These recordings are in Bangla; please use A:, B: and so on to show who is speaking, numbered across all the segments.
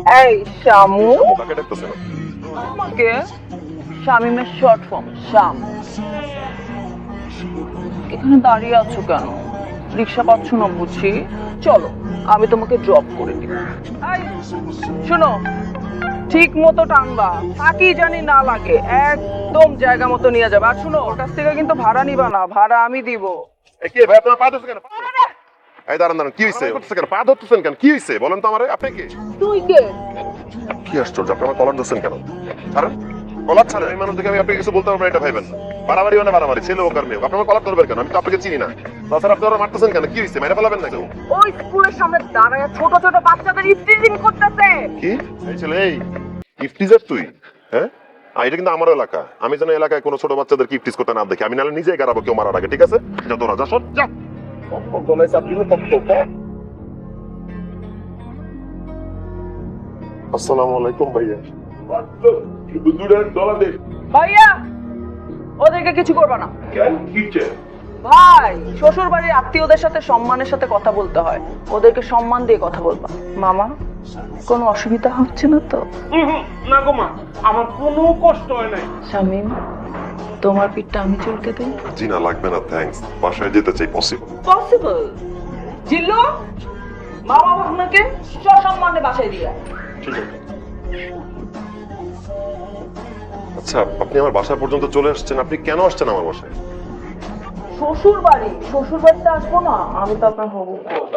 A: এই শামু,
B: কাকে ডাকতেছে না?
A: আমাকে শামিমের শর্ট ফর্ম শাম। এখানে দাঁড়িয়ে আছো কেন? রিক্সা পাচ্ছ না বুঝি? চলো আমি তোমাকে ড্রপ করে দিই। এই, শোনো, ঠিক মতো টানবা, ফাঁকি জানি না লাগে, একদম জায়গা মতো নিয়ে যাবে। আর শোনো, ওর কাছ থেকে কিন্তু ভাড়া নিবা না, ভাড়া আমি দিব।
B: কে ভাই, আপনার পা ধরছে কেন? এই দাঁড়ান দাঁড়ান, কি হয়েছে? করতেছে কেন? পা ধরতেছেন কেন? কি হয়েছে বলেন তো আমারে। আপনি কি
A: তুই কে?
B: কি আশ্চর্য, আপনি আমার কলার ধরছেন কেন? ছাড়েন কলার, ছাড়েন। এই মানুষ দেখে আমি আপনাকে কিছু বলতে পারবো না, এটা ভাইবেন না। বাড়াবাড়ি মানে বাড়াবাড়ি, ছেলে হোক আর মেয়ে হোক। আপনি আমার কলার ধরবেন কেন? আমি তো আপনাকে চিনি না। তাছাড়া আপনি ওরা মারতেছেন কেন? কি হয়েছে? মেরে ফেলাবেন না কেউ?
A: ওই স্কুলের সামনে দাঁড়ায় ছোট ছোট বাচ্চাদের ইফটিজিং করতেছে।
B: কি এই ছেলে, এই ইফটিজার তুই? হ্যাঁ, এটা কিন্তু আমার এলাকা। আমি যেন এলাকায় কোনো ছোট বাচ্চাদের ইফটিজ করতে না দেখি, আমি নাহলে নিজেই গারাবো কেউ মারার আগে। ঠিক আছে, যা তোরা যা, সর যা। আসসালামু আলাইকুম ভাইয়া।
A: ভাইয়া, ওদেরকে কিছু করবে না।
B: কেন, কি চাই?
A: ভাই, শ্বশুর বাড়ির আত্মীয়দের সাথে সম্মানের সাথে কথা বলতে হয়, ওদেরকে সম্মান দিয়ে কথা বলবা। মামা, কোনো অসুবিধা হচ্ছে না তো?
C: না গো মা, আমার কোনো কষ্ট হয় নাই।
A: শামিম, তোমার পিঠটা আমি চুলকে দিই।
B: জি না, লাগবে না, থ্যাঙ্কস। বাসায় যেতে চাই, পসিবল।
A: পসিবল? জিল্লু, মামা আপনাকে সসম্মানে বাসায় দিয়ে।
B: ঠিক আছে। আচ্ছা, আপনি আমার বাসা পর্যন্ত চলে আসছেন, আপনি কেন আসছেন আমার বাসায়?
A: শ্বশুর বাড়ি, শ্বশুর বাড়িতে আসবো না? আমি তো আপনার হবো।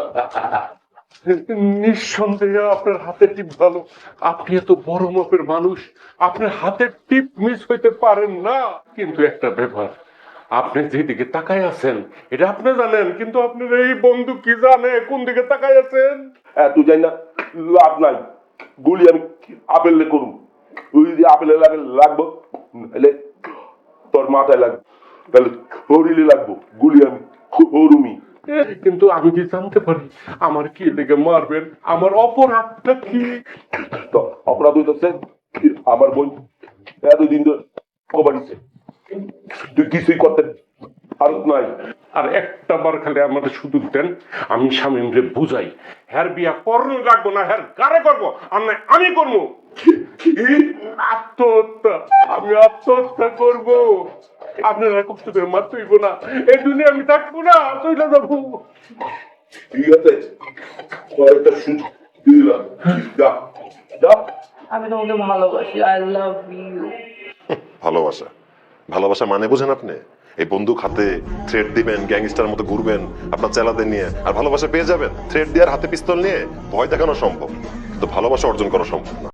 C: নিঃসন্দেহে আপনার হাতের টিপ ভালো। আপনি এত বড় মাপের মানুষ, আপনার হাতের টিপ মিস হইতে পারেন না। কিন্তু একটা ব্যাপার, আপনি যেদিকে তাকায় আছেন এটা আপনি জানেন, কিন্তু আপনার এই বন্ধু কি জানে কোন দিকে তাকায় আছেন?
D: তুই জানি না, লাভ নাই। গুলি আমি আপেলে করুম। তুই যদি আপেলে লাগবো, তাহলে তোর মাথায় লাগবে, তাহলে হরিলে লাগবো। গুলি আমি হরুমি।
C: কিন্তু আমি কি জানতে পারি আমার কি লেগে মারবেন? আমার অপরাধটা কি?
D: তো অপরাধ হইতেছে আমার বোন এতদিন ধরে কবাড়িছে, তুই কিছুই করতে পারত নাই।
C: আর একটা বার খালি আমাদের সুযোগ দেন, আমি শামীম রে বুঝাই, হ্যার বিয়া করতে লাগবো না, হ্যার গারে করবো, আর না আমি করবো। আত্মহত্যা, আমি আত্মহত্যা করবো। আপনারা কষ্ট করে মার তুইব না, এই দুনিয়া আমি থাকবো না, তুই না যাবো।
D: ঠিক আছে, কয়েকটা সুযোগ দিলাম। যা যা।
A: আমি তোমাকে ভালোবাসি, আই লাভ ইউ।
B: ভালোবাসা? ভালোবাসা মানে বুঝেন আপনি? এই বন্দুক হাতে থ্রেড দিবেন, গ্যাংস্টার মতো ঘুরবেন আপনার চেলাদের নিয়ে, আর ভালোবাসা পেয়ে যাবেন? থ্রেড দিয়ে আর হাতে পিস্তল নিয়ে ভয় দেখানো সম্ভব, কিন্তু ভালোবাসা অর্জন করা সম্ভব না।